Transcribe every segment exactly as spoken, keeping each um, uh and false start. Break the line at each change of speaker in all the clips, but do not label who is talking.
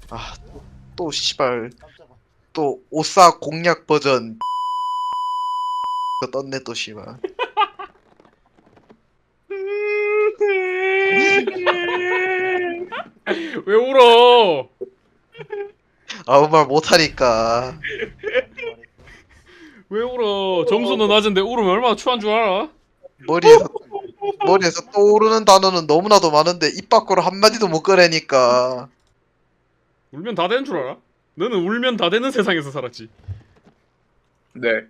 아, 또 씨발 또 오싸 공략 버전 떴네 또 씨발.
왜 울어?
아무 말 못하니까.
왜 울어? 점수는 낮은데 울으면 얼마나 추한 줄 알아?
머리에서 머리에서 떠오르는 단어는 너무나도 많은데 입 밖으로 한마디도 못 꺼내니까.
울면 다 되는 줄 알아? 너는 울면 다 되는 세상에서 살았지.
네.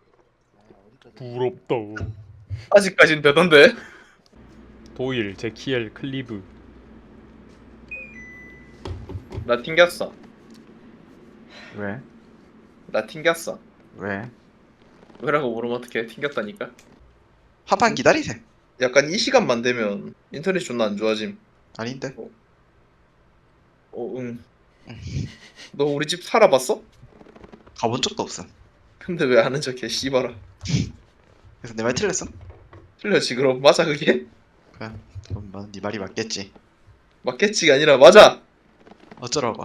부럽다.
아직까진 되던데.
도일, 제키엘, 클리브.
나 튕겼어.
왜?
나 튕겼어.
왜?
왜라고 물으면 어떡해. 튕겼다니까.
한 판 기다리세.
약간 이 시간만 되면 인터넷 존나 안 좋아짐.
아닌데?
어, 응. 너 우리 집 살아봤어?
가본 적도 없음.
근데 왜 아는 척해, 씨발아.
그래서 내 말 틀렸어?
틀렸지, 그럼. 맞아, 그게?
그래. 그럼 뭐, 네 말이 맞겠지.
맞겠지가 아니라, 맞아!
어쩌라고.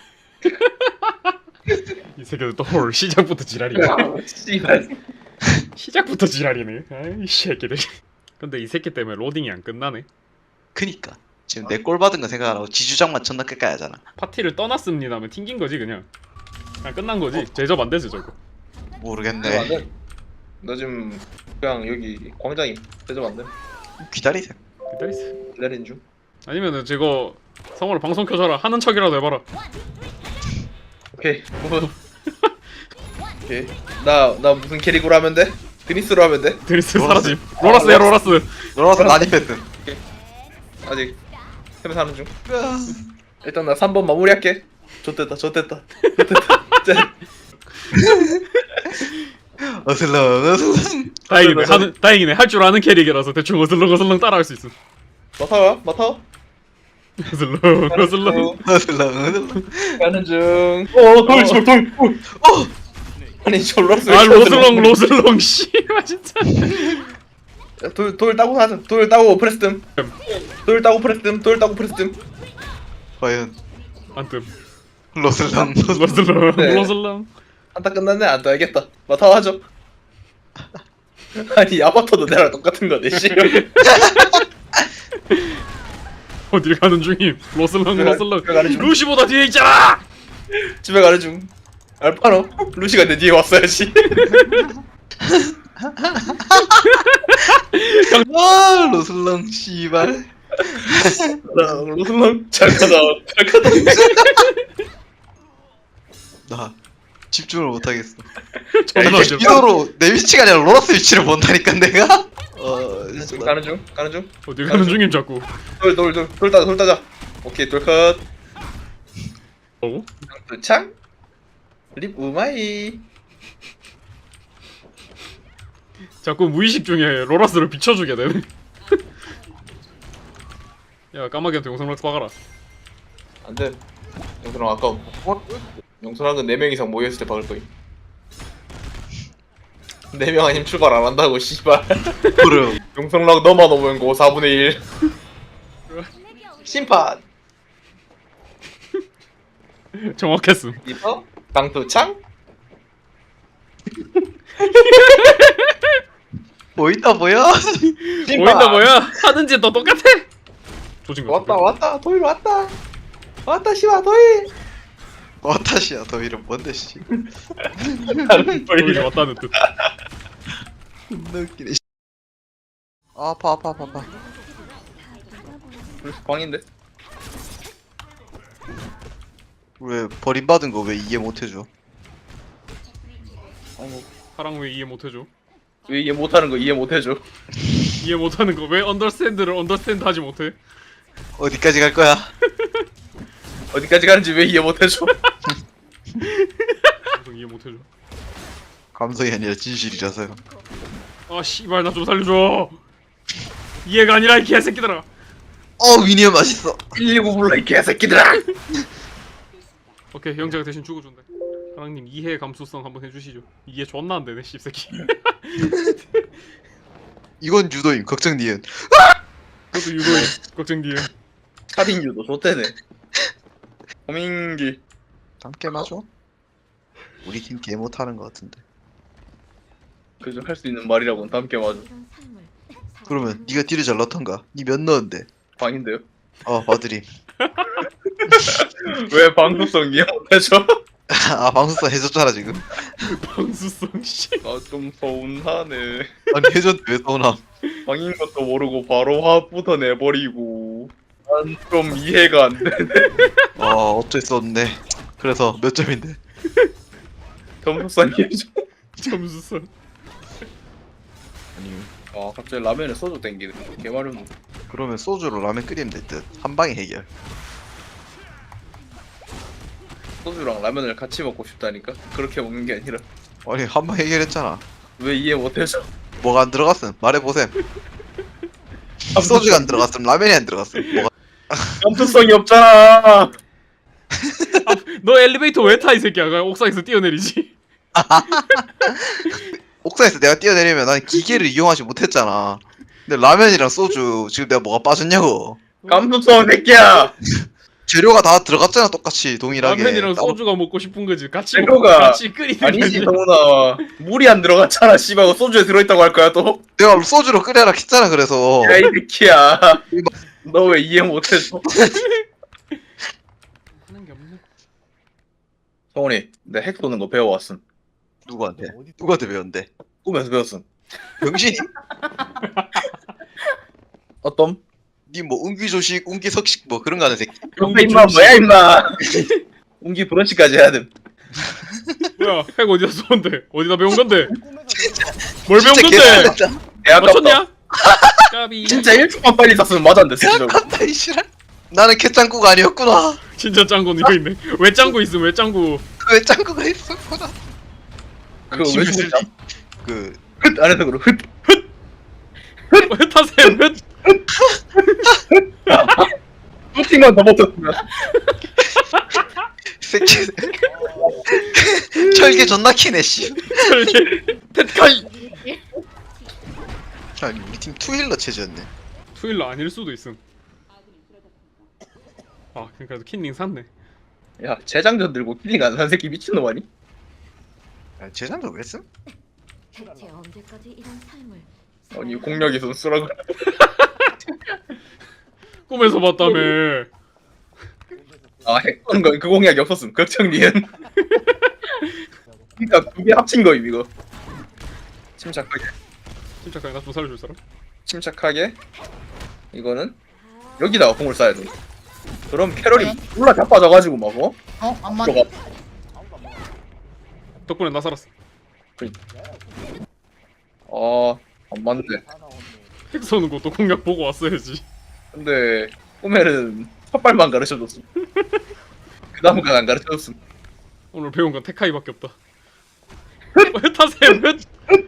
이 새끼들 또 올 시작부터 지랄이네.
씨발.
시작부터 지랄이네. 아이 새끼들. 근데 이 새끼 때문에 로딩이 안 끝나네.
그니까 지금 내 골 받은 거 생각 안 하고 지주장만 존나 끝까지 하잖아.
파티를 떠났습니다 하면 튕긴 거지 그냥. 그냥 끝난 거지. 제접 안 되지 저거.
모르겠네.
안 돼. 너 지금 그냥 여기 광장이 대접 안 돼.
기다리세.
기다리세.
기다린 중.
아니면은 저거 성우를 방송 켜줘라 하는 척이라도 해봐라.
오케이. 뭐. 오케이. 나, 나 무슨 캐릭으로 하면 돼? 드니스로 하면 돼?
드니스
로라스.
사라짐. 로라스야 로라스.
너라서 난입했든.
아직 세면 사는 중. 일단 나 삼 번 마무리할게. 좋됐다, 좋됐다. 좋됐다. 진짜.
어슬렁 어슬렁.
다행이네. 하는 다행이네. 할 줄 아는 캐릭이라서 대충 어슬렁 어슬렁 따라할 수 있어.
맡아와, 맡아.
어슬렁 어슬렁.
어슬렁 어슬렁.
가는 중. 어, 돌, 돌, 돌. 어. 아니, 저 로라스.
아 로슬렁 로슬렁 씨발 진짜.
돌, 돌 따고 하자. 돌 따고 프레스뜸. 돌 따고 프레스뜸. 돌 따고 프레스뜸.
과연
안 뜸.
로슬렁
로슬렁
네.
로슬렁.
한타 끝났네. 안 떠야겠다. 맡아와 하죠. 아니, 아바타도 내랑 똑같은 거네, 씨.
어딜 가는 중임. 로슬렁
집에 가-
로슬렁.
집에 가는 중.
루시보다 뒤에 있잖아.
집에 가는 중. 알파노. 루시가 내 뒤에 왔어야지.
아 로슬렁 씨발.
로슬랑 잘 가다. 잘 가다.
나 집중을 못하겠어.
존나
이게
어지럽다.
기도로 내 위치가 아니라 로라스 위치를 본다니까 내가. 어 진짜
가는 중. 가는 중.
어딜 가는 중임 자꾸.
돌, 돌, 돌. 돌 따자. 돌 따자. 오케이, 돌 컷.
어?
도창. 립 우마이.
자꾸 무의식 중에 로라스를 비춰주게 되네. 야 까마귀한테 용성락 박아라.
안 돼. 영선랑 아까워. 어? 영선랑은 네 명 이상 모여있을 때 박을 거임. 네 명 아니면 출발 안 한다고, 씨발.
그래.
용성랑 너만 오면 고 사분의 일. 심판.
정확했음.
리퍼. 강도창.
보인다 보여?
보인다 뭐야? 하는지 너 똑같아. 조진 거.
왔다, 왔다. 도일 왔다. 왔다, 씨발, 도일.
와타시야 더 이름 뭔데 씨.
도일이 왔다는 뜻.
존나 웃기네. 씨. 아, 아파 아파 아파 아파.
광인데?
왜 버림받은 거 왜 이해 못해줘?
사랑 왜 이해 못해줘?
왜 이해 못하는 거 이해 못해줘?
이해 못하는 거 왜 언더스탠드를 언더스탠드 하지 못해?
어디까지 갈 거야?
어디까지 가는지 왜 이해 못해줘?
계속 이해 못해줘.
감성이 아니라 진실이라서요.
아 씨발 나 좀 살려줘. 이해가 아니라 이 개새끼들아.
어 위니어 맛있어.
일일구 불러 이 개새끼들아!
오케이 형제가 대신 죽어준다. 사랑님 이해 감수성 한번 해주시죠. 이해 존나 안 되네 씹새끼.
이건 유도임 걱정 니은.
그것도 유도해 걱정 뒤에.
살인 유도 좋대네. 호민기.
함께 맞아? 우리 팀 개 못하는 것 같은데.
그저 할 수 있는 말이라고는 함께 맞아.
그러면 네가 딜을 잘 넣던가. 니 몇 넣었는데?
방인데요.
어 봐드림.
왜 방구성 이해 못해줘?
아 방송사 해줬잖아 지금.
방수성 씨.
아좀 서운하네.
아니 해줬 왜 서운함?
방인 것도 모르고 바로 화부터 내버리고. 난 좀 이해가 안 돼.
와 어쩔 수 없네. 그래서 몇 점인데?
점수상 이해줘.
점수선.
아니
아 갑자기 라면에 소주 땡기네. 개마름.
그러면 소주로 라면 끓이면 될 듯. 한 방에 해결.
소주랑 라면을 같이 먹고 싶다니까. 그렇게 먹는 게 아니라.
아니 한 방 해결했잖아.
왜 이해 못해줘?
뭐가 안 들어갔음? 말해보셈. 소주가 안 들어갔음. 라면이 안 들어갔음. 뭐가?
감수성이 없잖아.
너 엘리베이터 왜 타 이 새끼야? 그냥 옥상에서 뛰어내리지.
옥상에서 내가 뛰어내리면 난 기계를 이용하지 못했잖아. 근데 라면이랑 소주 지금 내가 뭐가 빠졌냐고.
감수성 새끼야.
재료가 다 들어갔잖아 똑같이 동일하게.
라면이랑
따로-
소주가 먹고 싶은 거지. 같이
재료가-
먹고 같이 끓이는
아니지
거지.
성훈아. 물이 안 들어갔잖아. 씨발 소주에 들어있다고 할 거야 또.
내가 소주로 끓여라 했잖아 그래서.
야 이 새끼야. 너 왜 이해 못해줘?
하는 게 없네.
성훈이 내 핵 쏘는 거 배워왔음.
누구한테? 누구한테 배웠는데?
꿈에서 배웠음.
병신이?
어떤?
니뭐 운기조식, 운기석식 뭐 그런 거 하는 새끼.
근데 임마 뭐야 임마. 운기 브런치까지 해야 됨.
뭐야? 핵 어디다 쏘는데? 어디다 배운 건데? 뭘 배운
진짜
건데?
개판했다.
개 아깝다.
맞췄냐? 까비.
진짜 일 초만 빨리 쐈으면 맞았는데 진짜.
아깝다 이 씨발. 나는 캣짱구가 아니었구나.
진짜 짱구 이거 있네. 왜 짱구 있음? 왜 짱구?
왜 짱구가 있었구나.
그거 왜
힘을
죽었냐?
쓰지. 그
흩 안에서 그러 흩.
흩하셈 흩.
흩팅만 더 버텼으면.
새끼. 철개 존나 키네 씨.
테카이.
아니 우리 팀 투힐러 체제였네.
투일러 아닐 수도 있음. 아 그러니까 킨닝 샀네.
야 재장전 들고 킬링 안 산 새끼 미친놈 아니?
야, 재산도 왜 쓴?
대체 언제까지 이런 삶을
아니 공략이 선수라고.
꿈에서 봤다며.
아핵 쏘는 거그 공략이 없었음. 걱정 니은. 그니까 두 개 합친 거임 이거. 침착하게.
침착하게 나좀 살려줄 사람?
침착하게. 이거는 여기다가 공을 쏴야 돼. 그럼 캐럴이
네.
몰라 자빠져가지고 막 어?
어? 안 맞.
들어가.
덕분에 나 살았어.
아, 안 맞네.
핵 쏘는 것도 공략 보고 왔어야지.
근데 꿈에는 삿발만 가르쳐줬음. 그 다음은 안 가르쳐줬음.
오늘 배운 건 테카이밖에 없다. 흩하셈 흩.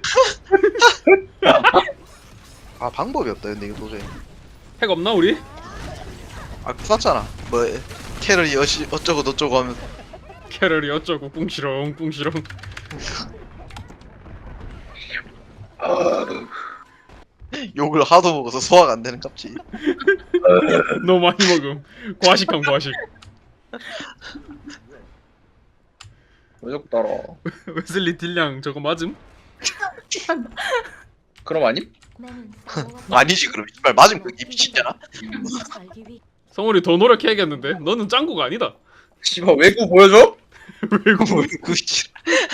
아 방법이 없다 근데 이거 도저히.
핵 없나 우리?
아 쐈잖아. 뭐 캐럴이 어시 어쩌고 저쩌고 하면
캐럴이 어쩌고 꿍시렁 꿍시렁.
아,
욕을 하도 먹어서 소화가 안 되는 값지.
너무 많이 먹음. 과식함 과식.
왜 자꾸 따라?
웨슬리 딜량 저거 맞음?
그럼 아님?
아니지 그럼 이말 맞으면 그게 미친잖아.
성훈이 더 노력해야겠는데? 너는 짱구가 아니다.
씨발 외구 보여줘?
외구
그 씨.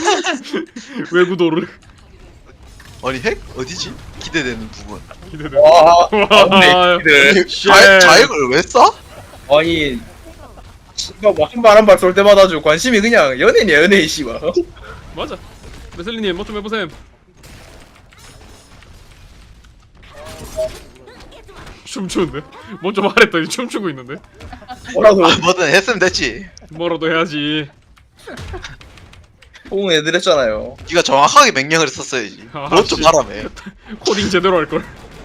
외구도를
아니 핵 어디지? 기대되는 부분.
기대돼.
와,
와,
맞네 니들.
자, 자액을 왜 쏴?
아니, 씨발 뭐한발 한 발 쏠 때마다 주 관심이 그냥 연예인이야 연예인 씨발.
맞아. 웨슬리님 뭐 좀 해보셈. 춤추는데? 먼저 말했더니 춤추고 있는데?
뭐라고
아 뭐든 했으면 됐지.
뭐라도 해야지.
호응 애들 했잖아요.
네가 정확하게 명령을 했었어야지.
아,
그것 좀
씨.
하라며.
코딩 제대로 할걸.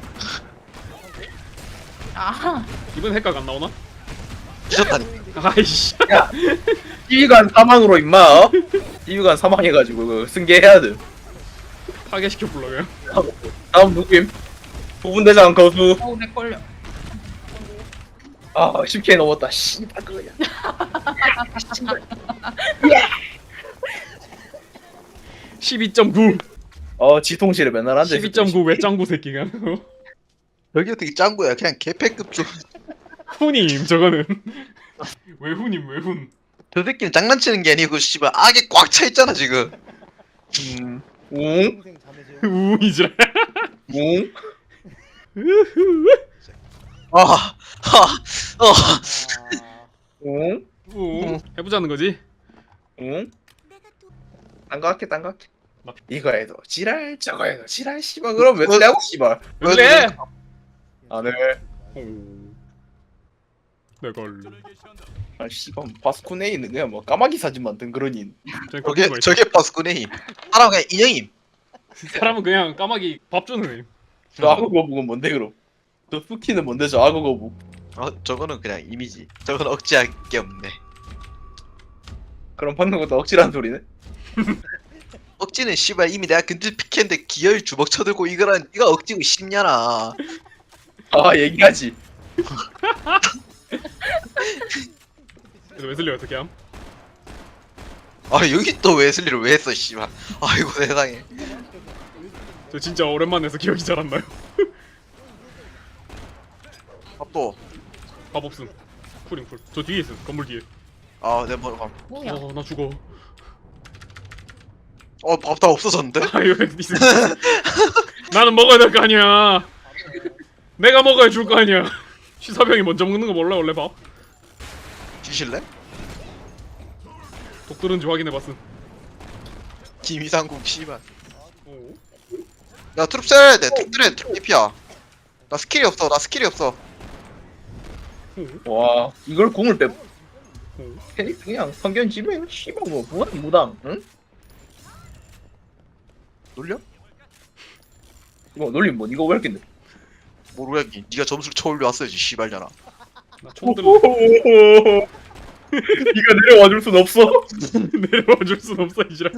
아하.
이번 핵각 안 나오나?
잊었다니까.
아이씨.
지휘관 사망으로 임마. 어? 지휘관 사망해가지고 그 승계해야 돼.
파괴시켜 불러 그냥.
다음 누구임? 부분대장 거수.
어우 내 걸려.
아 십 케이 넘었다. 씨발 그거야.
십이 점 구.
어 지통실에 맨날 앉아
십이 점 구 왜 짱구 새끼가.
여기 어떻게 짱구야? 그냥 개패급 좀.
훈임 저거는. 왜 훈임 왜 훈.
저 새끼는 장난치는 게 아니고 씨발 악에 꽉 차 있잖아 지금.
음. 웅?
우이지라.
웅?
아, 하, 어.
웅?
우. 해보자는 거지.
응? 딴거 할게 딴거 할게 이거 해도 지랄 저거 해도 지랄 씨발 그럼 왜 쓰냐고 씨발
왜 그래?
안해
내걸.
아 씨발 바스코네이는 그냥 뭐 까마귀 사진 만든 그러니
저게 저게 파스쿠네임. 사람 그냥 인형임.
사람은 그냥 까마귀 밥 주는 애.
저 악어 거북은 뭔데 그럼 저 스키는 뭔데 저 악어 거북
어 저거는 그냥 이미지. 저건 억지할 게 없네.
그럼 방금 것도 억지라는 소리네
억지는 씨발 이미 내가 근질 피켓인데 기어이 주먹 쳐들고 이거란 이거 억지고 싶냐나.
아 얘기하지
그래서 웨슬리 어떻게 함?
아 여기 또 웨슬리를 왜 했어 씨발. 아이고 세상에.
저 진짜 오랜만에 해서 기억이 잘 안 나요.
아, 또.
밥 없음. 쿨임 쿨. 저 뒤에 있음. 건물 뒤에.
아내 머리 감.
뭐야?
어, 나 죽어.
어밥 다 없어졌는데?
아유, 니스. 나는 먹어야 될 거 아니야. 내가 먹어야 줄 거 아니야. 시사병이 먼저 먹는 거 몰라 원래 밥.
주실래?
독 들은지 확인해봤음.
김이상국 씨발.
오.
야 트룹 셀 돼. 트룹 들에 트룹 이피야. 나 스킬이 없어. 나 스킬이 없어.
와 이걸 궁을 빼
오.
페닉스 그냥 성견 집에 씨발 뭐 무한 무당 응?
놀려?
이거 놀림 뭐 이거 왜 이렇게
모르겠니. 네가 점수를 쳐올려 왔어야지 씨발잖아.
나 총들
네가 내려와 줄 순 없어
내려와 줄 순 없어 이지라.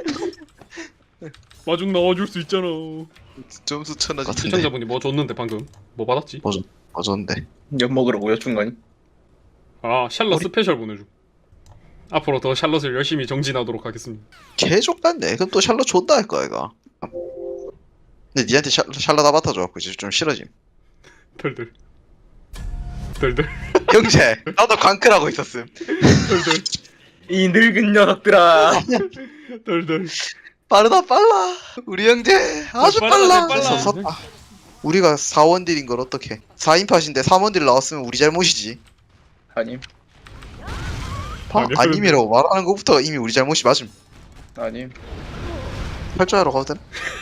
마중 나와줄 수 있잖아.
점수 천하지.
시청자분이 뭐 줬는데 방금 뭐 받았지?
맞았는데.
엿 먹으라고요 중간이
아 샬럿 스페셜 보내줘. 앞으로 더 샬럿을 열심히 정진하도록 하겠습니다.
개족 같네. 그럼 또 샬럿 존다 할 거야 이거. 근데 니한테 샬, 샬럿 아바타 줘갖고 이제 좀 싫어짐.
덜덜 덜덜
형제 나도 광클하고 있었음.
덜덜
이 늙은 녀석들아
덜덜.
빠르다 빨라. 우리 형제 아주
빨라,
빨라.
빨라.
됐어, 섰다. 우리가 사원딜인 걸 어떡해. 사인팟인데 삼원딜 나왔으면 우리 잘못이지.
아님
봐,
아니,
아님이라고 말하는 것부터 이미 우리 잘못이 맞음.
아님
팔자하러 가도 되나?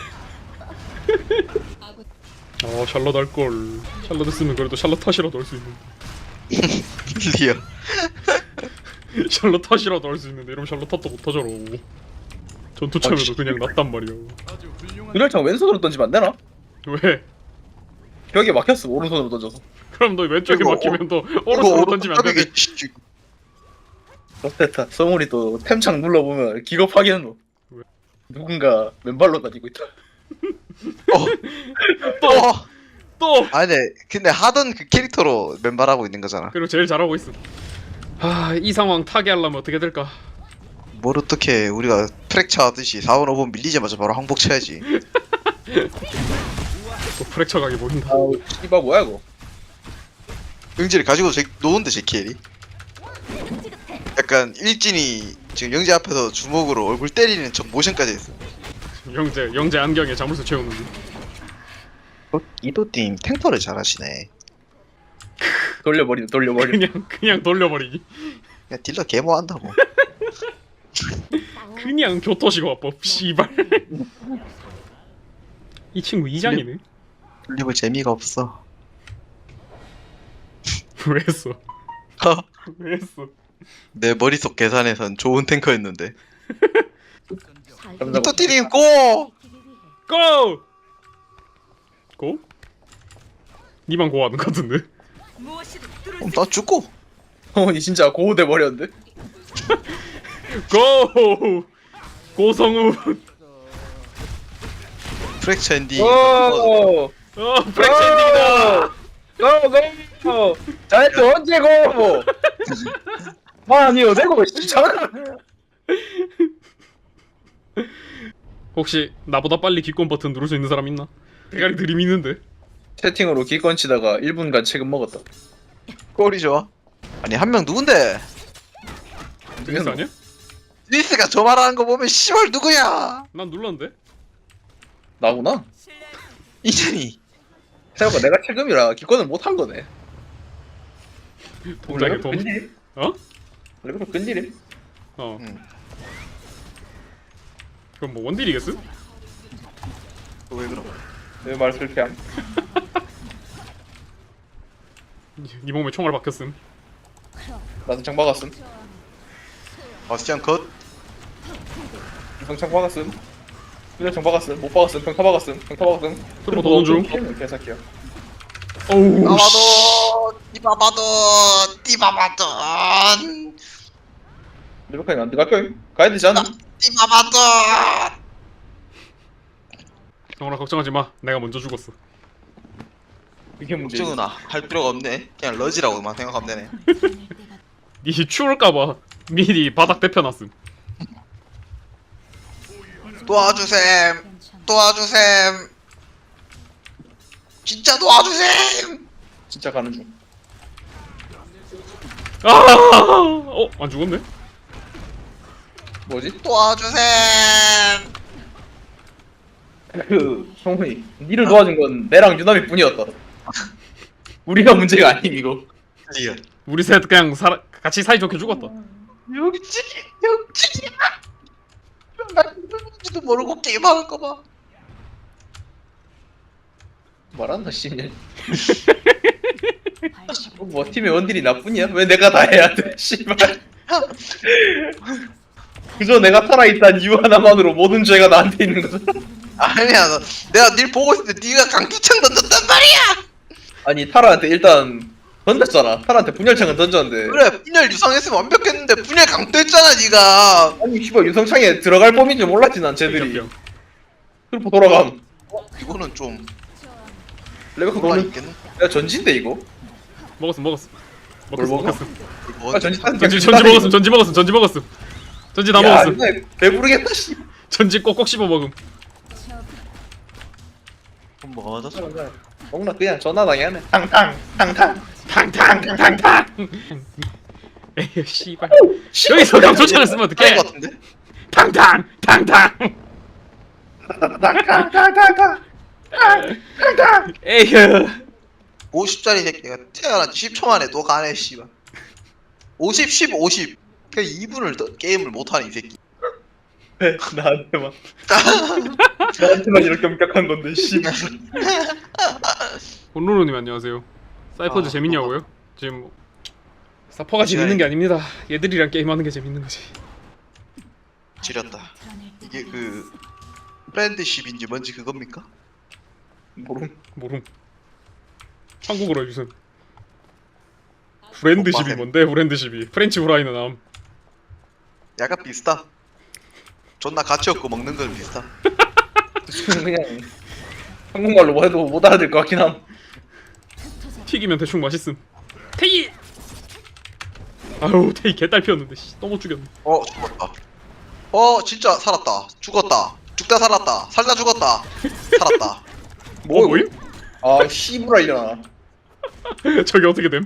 어 샬럿 할걸. 샬럿 했으면 그래도 샬럿 탓이라도 할 수 있는데.
리어.
샬럿 탓이라도 할 수 있는데 이러면 샬럿 탓도 못 하잖아. 전투 참여도 그냥 낫단 말이야.
그날창 왼손으로 던지면 안 되나?
왜?
벽에 막혔어 오른손으로 던져서
그럼 너 왼쪽에
이거
막히면 너 오른손으로 던지면 안 되네.
좋겠다 성훈이 또 템창 눌러보면 기겁하겠노 뭐.
왜?
누군가 맨발로 다니고 있다
어.
또! 또!
아니 근데, 근데 하던 그 캐릭터로 맨발하고 있는 거잖아.
그리고 제일 잘하고 있음. 아, 이 상황 타개하려면 어떻게 될까?
뭘 어떻게 우리가 프랙처 하듯이 사 번 오 번 밀리자마자 바로 항복 쳐야지.
또 프랙처 각이 보인다.
아우 씨발 뭐야 이거
영재를 가지고 제, 노는데 제 캐리. 약간 일진이 지금 영재 앞에서 주먹으로 얼굴 때리는 저 모션까지 했어.
영재, 영재 안경에 자물쇠 채우는 중.
어, 이도팀 탱커를 잘하시네.
돌려버리네 돌려버리네
그냥, 그냥 돌려버리기.
야 딜러 개모 한다고.
그냥 교토식 화법, 씨발. 이 친구 이장이네.
돌리볼 재미가 없어.
왜 했어? 왜 했어?
내 머릿속 계산에선 좋은 탱커였는데.
감사합니다.
이도팀 고!
고! 고? 니만 고하는 것 같은데?
그럼 나 죽고.
성훈이 진짜 고우돼 버렸는데
고! 고성우!
프랙처 엔딩.
오
어, 프렉시 엔딩이다!
고고고 자네트 언제 고 아니요 내가 왜 잠깐.
혹시 나보다 빨리 기권 버튼 누를 수 있는 사람 있나? 대가리 들이미는데.
채팅으로 기권 치다가 일 분간 책임 먹었다.
꼴이 좋아. 아니 한 명 누군데?
드니스 아니야?
리스가 저 말하는 거 보면 씨발 누구야?
난 눌렀는데.
나구나.
이준이.
생각보다 내가 책임이라 기권을 못 한 거네.
동작에 동.
끈질?
어?
원래 그럼 끈질임?
어.
응.
그럼 뭐 원딜이겠어?
왜 그럼?
왜 말 그렇게 함?
네 몸에 총알 박혔음.
나도 장 박았음.
바스티안 컷.
이성 장 박았음. 그냥 장 박았음. 못 박았음. 평타 박았음. 평타 박았음.
트루퍼 도는 중.
개새끼야.
어우 씨.
디바바도 디바바도
레베카님 안 들어갈 거임? 가야 되지 않나?
디바바도.
정원아 걱정하지 마. 내가 먼저 죽었어.
이게 문제지.
걱정은아 할 필요가 없네. 그냥 러지라고만 생각하면 되네.
니 추울까봐 미리 바닥 대펴놨음.
도와주셈. 도와주셈. 진짜 도와주셈.
진짜 가는 중.
아! 어? 안 죽었네?
뭐지?
도와주셈.
그 성훈이 니를 도와준 건 내랑 유남이 뿐이었다. 우리가 문제가 아님 이거.
리얼.
우리 셋 그냥 사, 같이 사이좋게 죽었다.
영진이 영진이야. 나 누군지도 모르고 게임하는 거 봐.
말한다 씨냐. 뭐 팀의 원딜이 나뿐이야? 왜 내가 다 해야 돼? 씨발. 그저 내가 살아있다는 이유 하나만으로 모든 죄가 나한테 있는 거잖아.
아니야, 너, 내가 닐 보고 있을 때 네가 강기창 던졌단 말이야.
아니 타라한테 일단 던졌잖아. 타라한테 분열창을 던졌는데.
그래, 분열 유성했으면 완벽했는데 분열 강도했잖아, 네가.
아니 씨발 유성창에 들어갈 범인 줄 몰랐지 난 쟤들이.
병.
그리고 돌아감.
어, 이거는 좀
레베카
뭐가
너는
있겠네.
야 전진데 이거?
먹었음 먹었음.
뭘
먹었음
먹어?
먹었음.
뭐,
아 전진 한
전지 전지 먹었음 전지 먹었음 전지 먹었음. 전지 다 먹었음.
배부르겠다 씨.
전지 꼭꼭 씹어 먹음.
그럼 뭐가 맞았어?
먹나 그냥 전화 당해네. 탕탕 탕탕.
탕탕탕탕탕. 에휴 씨발. 여기서 강초창을 쓰면 어떡해?
것 같은데?
탕탕 탕탕.
탕탕탕탕탕.
에휴.
오십 짜리 새끼가 태어난 지 십 초 만에 또 가네, 씨발. 오십, 십, 오십. 그냥 이 분을 더 게임을 못하는 이 새끼.
왜 나한테만 나한테만 이렇게 엄격한 건데 씨발.
혼로로님 안녕하세요. 사이퍼즈
아,
재밌냐고요? 지금 뭐 사퍼가 재밌는 게 아닙니다. 얘들이랑 게임하는 게 재밌는 거지.
지렸다. 이게 그 프렌드십인지 뭔지 그겁니까?
모름.
모름. 한국어로 해주세요. 브랜드십이
오빠셈.
뭔데? 브랜드십이 프렌치 후라이는 암.
약간 비슷하. 존나 가치 없고 먹는 건 비슷하.
그냥 한국말로 뭐 해도 못 알아들 것 같긴 함.
튀기면 대충 맛있음. 테이. 아유 테이 개딸 피웠는데 씨, 또 못 죽였네.
어, 죽었다. 어, 진짜 살았다. 죽었다. 죽다 살았다. 살다 죽었다. 살았다.
뭐 뭐임?
아 씨부랄려나.
저게 어떻게 됨?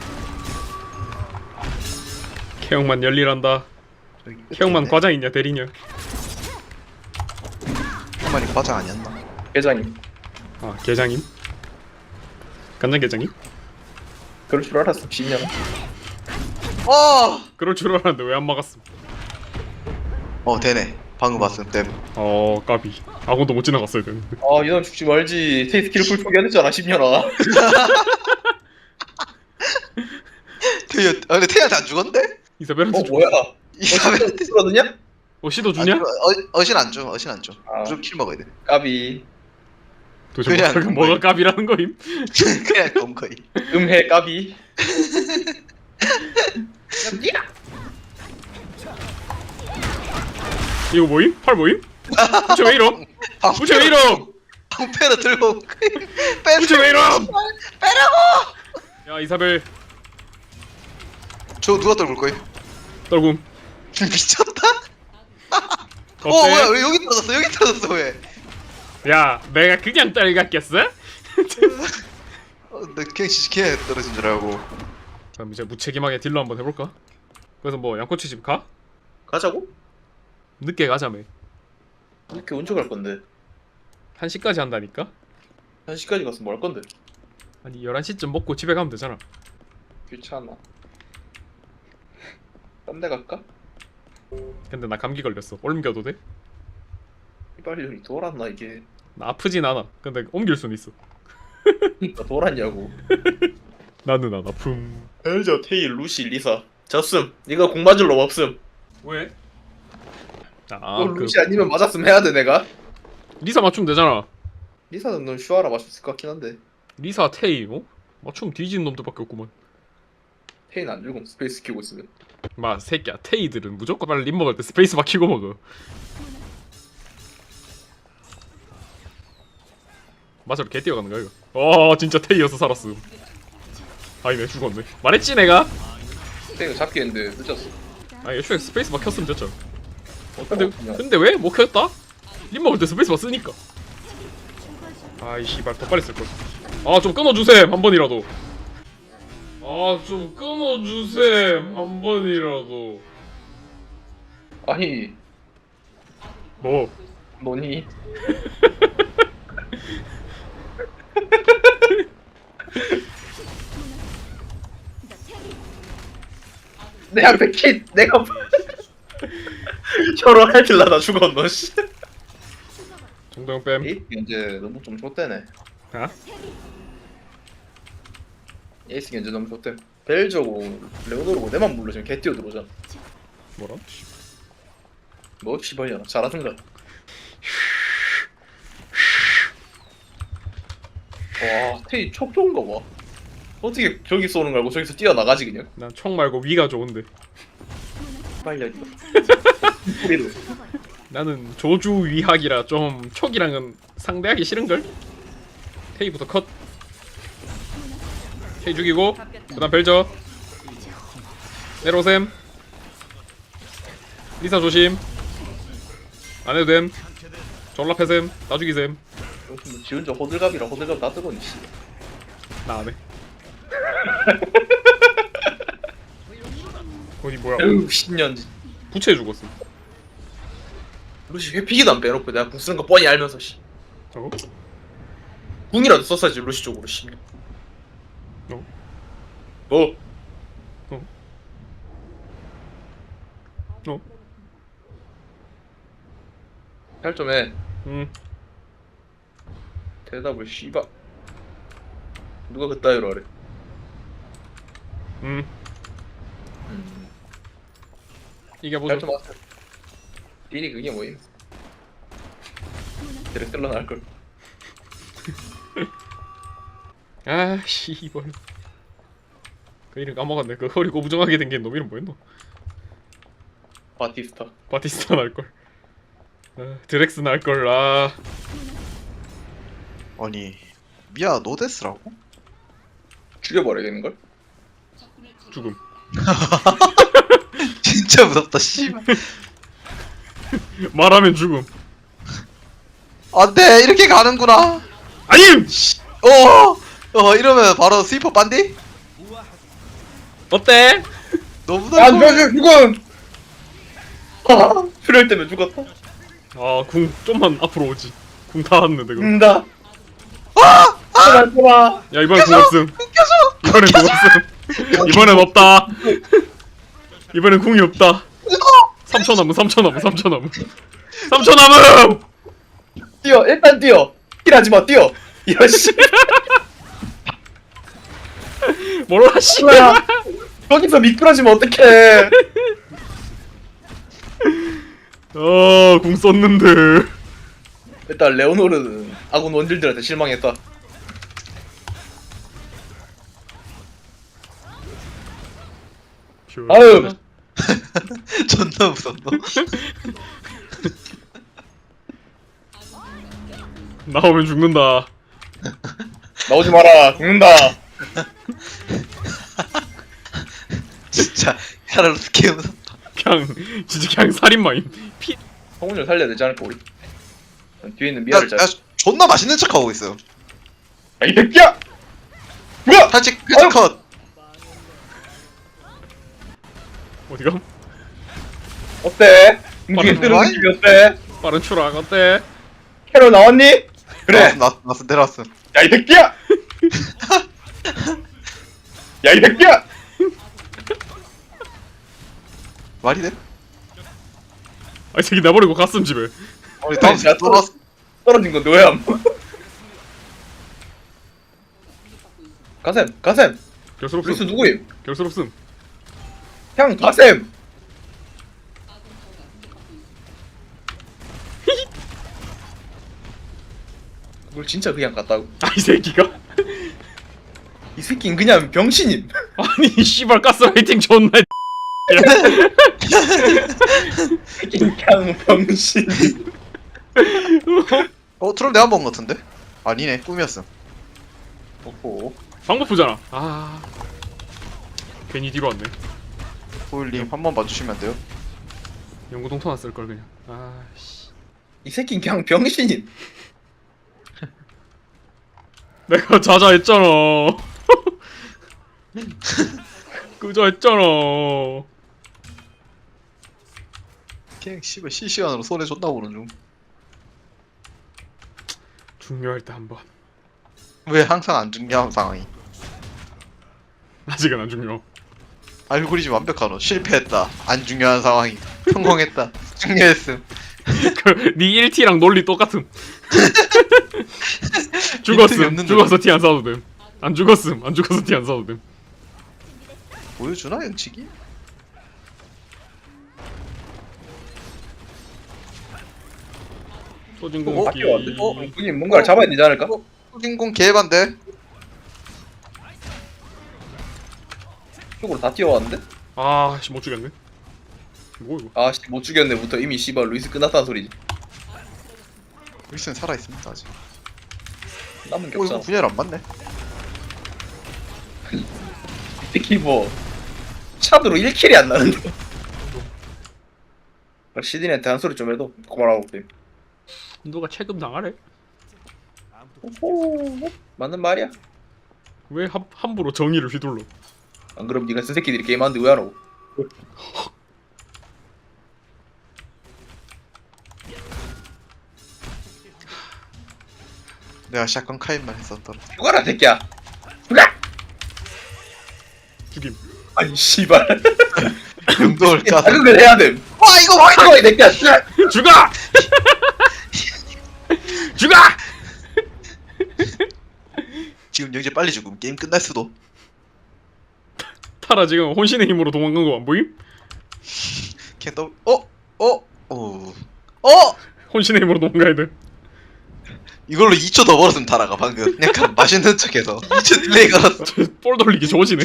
케형만 열일한다. 케형만 과장 있냐 대리냐?
형만이 과장 아니었나?
회장님.
아 계장임? 간장 계장임?
그럴 줄 알았어 진년.
어!
그럴 줄 알았는데 왜 안 막았음?
어, 되네. 방금 봤음 땜.
어 까비. 아군도 못 지나갔어야 되는데.
아 이놈 죽지 말지. 테이스키를 풀 포기해야 되잖아 십년아.
태연, 아 근데 태연한테 안 죽었는데?
이사벨한테
어
죽.
뭐야?
이사벨한테
죽었느냐?
어 시도 주냐?
어, 어신 안 줘. 어신 안 줘.
아.
무조건 킬 먹어야 돼.
까비.
도대체
그냥
뭐가, 뭐가 까비라는 거임?
그냥 검거이.
음해 까비.
이거 뭐임? 팔 뭐임? 부채 왜 이럼? 부채 왜 이럼?
방패를 들고 빼.
부채 왜 이럼?
빼라고.
야 이사벨
저 누가 떨굴 거임?
떨굼.
미쳤다? 어
어때?
뭐야 왜 여기 떨어졌어 여기 떨어졌어 왜?
야 내가 그냥 떨갔겠어?
어, 나 그냥 지식해 떨어진 줄 알고.
그럼 이제 무책임하게 딜러 한번 해볼까? 그래서 뭐 양꼬치 집 가?
가자고?
늦게 가자며.
이렇게 언제 갈 건데?
한 시까지 한다니까?
한 시까지 가서 뭐 할 건데?
아니 열한 시쯤 먹고 집에 가면 되잖아.
귀찮아. 딴 데 갈까?
근데 나 감기 걸렸어. 옮겨도 돼?
이발년이 돌았나 이게?
나 아프진 않아. 근데 옮길 순 있어.
나 돌았냐고.
나는 안 아픔.
벨저, 테일, 루시, 리사. 졌음. 니가 공 맞을 놈 없음.
왜? 아,
어,
그
루시 아니면 맞았음 해야 돼 내가.
리사 맞추면 되잖아.
리사는 넌 슈아라 맞췄을 것 같긴 한데.
리사 테이, 어? 맞추면 뒤지는 놈들밖에 없구만.
테인 안 죽음 스페이스 키고 있으면.
마 새끼야, 테이들은 무조건 빨리 립 먹을 때 스페이스 바 키고 먹어. 맞아, 개 뛰어가는 거야 이거. 어, 진짜 테이여서 살았음. 아니네, 죽었네. 말했지 내가.
테인 잡기 했는데 늦었어.
아, 애초에 스페이스 바 켰으면 됐죠.
어,
근데
그냥.
근데 왜 못 켰다? 립 먹을 때 스페이스 바 쓰니까. 아이 씨발 더 빨리 쓸 걸. 아, 좀 끊어주셈 한 번이라도. 아, 좀 끊어주셈 한 번이라도.
아니
뭐?
너니? 내한테 킷 내가 혀로 해질라다 죽었노 씨.
정도영 뺨.
에이스 견제 너무 좀 좆대네.
아?
에이스 견제 너무 좆대. 벨저고 레오노르고 내만 불러 지금 개 뛰어 들어오잖아.
뭐라?
뭐 씨발이야 잘하든가. 와 테이 촉 좋은가 봐. 어떻게 저기 쏘는 거 알고 저기서 뛰어나가지 그냥.
난 총 말고 위가 좋은데.
빨려 이거. 우리도.
나는 조주 위학이라 좀 촉이랑은 상대하기 싫은걸? 테이부터 컷. 테이 죽이고 그 다음 벨저. 내로셈. 리사 조심. 안해도 됨. 졸라 패셈. 나 죽이셈.
요즘 지 혼자 호들갑이라 호들갑 다 뜨거니 씨.
나 안해. 어디 뭐야?
에휴 신년지.
부채 죽었음.
루시 회피기도 안 빼놓고 내가 궁 쓰는 거 뻔히 알면서 씨.
저거?
궁이라도 썼어야지 루시 쪽으로 씨.
어?
뭐?
어? 어?
할 좀 해.
음.
대답을 씨발. 누가 그따위로 하래?
음.
음.
이겨보자.
할좀 하세요. 딜이 그게 뭐임? 드레슬러 나을 걸.
아 씨발. 그 이름 까먹었네. 그 허리 고부정하게 생긴 놈 이름 뭐였노?
바티스타.
바티스타 날걸. 아, 드렉스 날걸. 아.
아니 미아 노데스라고?
죽여버려야겠는 걸?
죽음.
진짜 무섭다 씨발.
말하면 죽음.
안돼 이렇게 가는구나.
아님!
어, 어 이러면 바로 스위퍼 빤디?
어때?
너무
안
달라.
죽여 죽음! 아, 필요할 때면 죽었다.
아, 궁 좀만 앞으로 오지. 궁 다 왔는데 그럼.
죽는다. 아! 아! 좋아.
야, 이번엔 궁 없음. 이번엔 궁 없음. 이번엔 없다. 이번엔 궁이 없다. 삼 초 남음, 삼 초 남음, 삼 초 남음. 삼 초 남음!
뛰어 일단 뛰어. 힐하지 마 뛰어. 이런 씨.
몰라, 씨.
뭐야? 거기서 미끄러지면 어떡해?
어, 궁 썼는데.
일단 레오노르는 아군 원딜들한테 실망했다. 아유.
존나 무섭노.
나오면 죽는다.
나오지 마라. 죽는다.
진짜 카를로스 개 무섭다.
그냥 진짜 그냥 살인마임. 피.
성훈이 살려야 되지 않을까 우리? 뒤에 있는
야,
미아를 잘.
야 존나 맛있는 척 하고 있어요.
야, 이 새끼야! 뭐야?
탈직 탈직 컷.
어디가?
어때? 움직임
빠른
뜨는
와이?
느낌이 어때?
빠른 추락 어때?
캐롤 나왔니? 그래.
나왔어 나왔어 내려왔어.
야 이 새끼야! 야 이 새끼야!
말이 돼?
아, 이 새끼 내버리고 갔음 집에.
우리 다음
야,
또 나왔어.
떨어진 건 너야. 가셈, 가셈.
결수롭음.
루이스 누구임?
결수롭음.
형 가셈. 그걸 진짜 그냥 갔다고?
아, 이 새끼가?
이 새끼는 그냥 병신임.
아니, 씨발 가스라이팅 존나.
그냥 병신임.
어 트롤 내가 먹은 것 같은데? 아니네 꿈이었음.
오호.
방법부잖아. 아. 괜히 뒤로 왔네.
소율님 한 번 봐주시면 안 돼요?
연구동토나 쓸걸 그냥. 아, 씨.
이 새끼는 그냥 병신임.
내가 자자했잖아. 그자 했잖아.
그냥 씨발 실시간으로 손에 존나 보는 중.
중요할 때 한 번.
왜 항상 안 중요한 상황이?
아직은 안 중요.
알고리즘 완벽하노. 실패했다. 안 중요한 상황이. 성공했다. 중요했음.
그네 일 티랑 논리 똑같음.
빈틈이
죽었음.
없는데.
죽어서 티 안 사도 됨. 안 죽었음. 안 죽어서 티 안 사도 됨.
보여주나 영치기?
소진
어?
공기.
어? 형님 뭔가를 잡아야 되지 않을까?
후진공 개반대.
쪽으로 다 뛰어왔는데?
아, 씨 못 죽였네. 뭐 이거?
아씨 못 죽였네부터 이미 씨발 루이스 끝났다는 소리지.
루이스는 살아있습니다 아직.
남은 게
어 이거
없잖아.
분열 안 맞네.
특히 뭐 샷으로 일 킬이 안 나는데. 시딘한테 한 소리 좀 해도 고마라고 돼.
누가 체금 당하래?
오호 맞는 말이야.
왜 함, 함부로 정의를 휘둘러?
안 그럼 네가 쓴 새끼들이 게임하는데 왜 하라고?
내가 샷건 카인만 했었더라.
죽어라 새끼야. 죽어!
죽임.
아니 씨발.
용도를 까서.
자극을 해야 돼.
와 이거 와
죽어 이 새끼야. 씨발.
죽어! 죽어!
지금 영재 빨리 죽음. 게임 끝날 수도.
타라 지금 혼신의 힘으로 도망간 거 안 보임?
그냥 또 어? 어? 어? 어?
혼신의 힘으로 도망가야 돼.
이걸로 이 초 더 벌었으면 달아가 방금. 약간 맛있는 척해서 이 초 딜레이 걸었어.
볼 돌리기 좋으시네.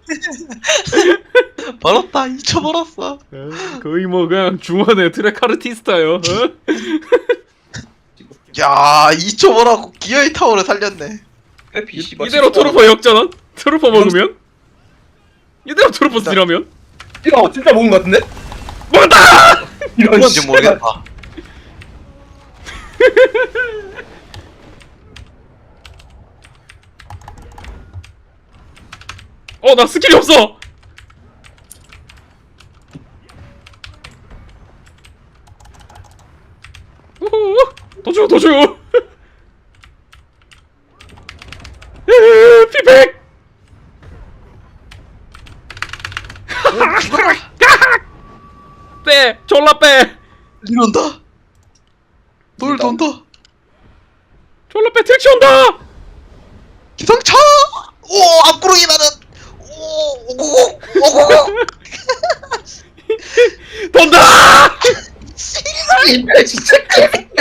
벌었다. 이 초 벌었어.
에, 거의 뭐 그냥 중원의 트랙 아르티스타요. 어?
야, 이 초 벌었고 기어이 타워를 살렸네.
해피 씨발.
이대로 트루퍼 역전원? 트루퍼 먹으면? 이대로 트루퍼
일단-
딜하면?
이거 진짜 먹은 거 같은데?
먹었다!
이런
뭔지
씨발.
모르겠다.
어, 나 스킬이 없어! 우후, 더 줘, 더 줘! 으으으, 피백! 빼! 졸라 빼!
이런다. 돌 돈다.
졸라 빼! 택시 온다!
기상차. 오 앞구르기 나는. 오 오고고 오고고.
돈다!
씨발 진짜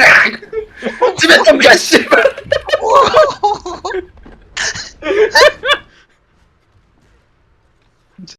집에 좀 가 씨발.